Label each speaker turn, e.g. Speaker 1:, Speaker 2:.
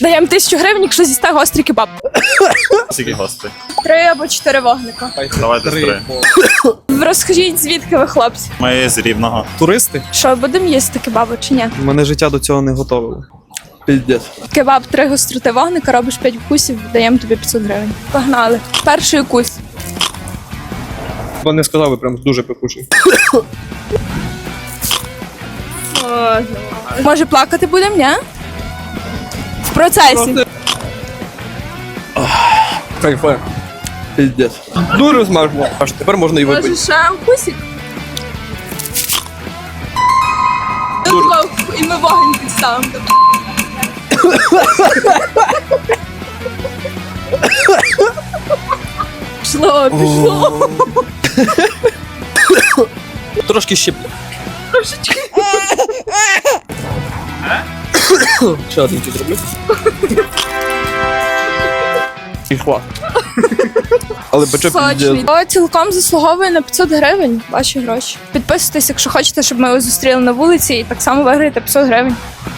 Speaker 1: Даємо 1000 гривень, якщо з'їсте гострий кебаб.
Speaker 2: Скільки гостей?
Speaker 1: 3 або 4 вогника.
Speaker 2: Давайте з 3.
Speaker 1: Розкажіть, звідки ви, хлопці?
Speaker 2: Ми з Рівного.
Speaker 3: Туристи?
Speaker 1: Що, будемо їсти кебабу чи ні?
Speaker 3: Мене життя до цього не готовило. Піздець.
Speaker 1: Кебаб 3 гостроти вогника, робиш 5 вкусів, даємо тобі 500 гривень. Погнали. Перший укус.
Speaker 3: Бо не сказав, ви прям дуже пекучий.
Speaker 1: Може плакати будемо, ні? В процесі.
Speaker 3: Кайфе. Піздець. Дуже смачно. Аж тепер можна і випити.
Speaker 1: Може ще укусик? І ми вогонь підставимо. Пішло.
Speaker 3: Трошки щеплю. Ще один тут зроблю. І хват. Але пече піздець.
Speaker 1: Сочний. О, цілком заслуговує на 500 гривень ваші гроші. Підписуйтесь, якщо хочете, щоб ми його зустріли на вулиці, і так само виграєте 500 гривень.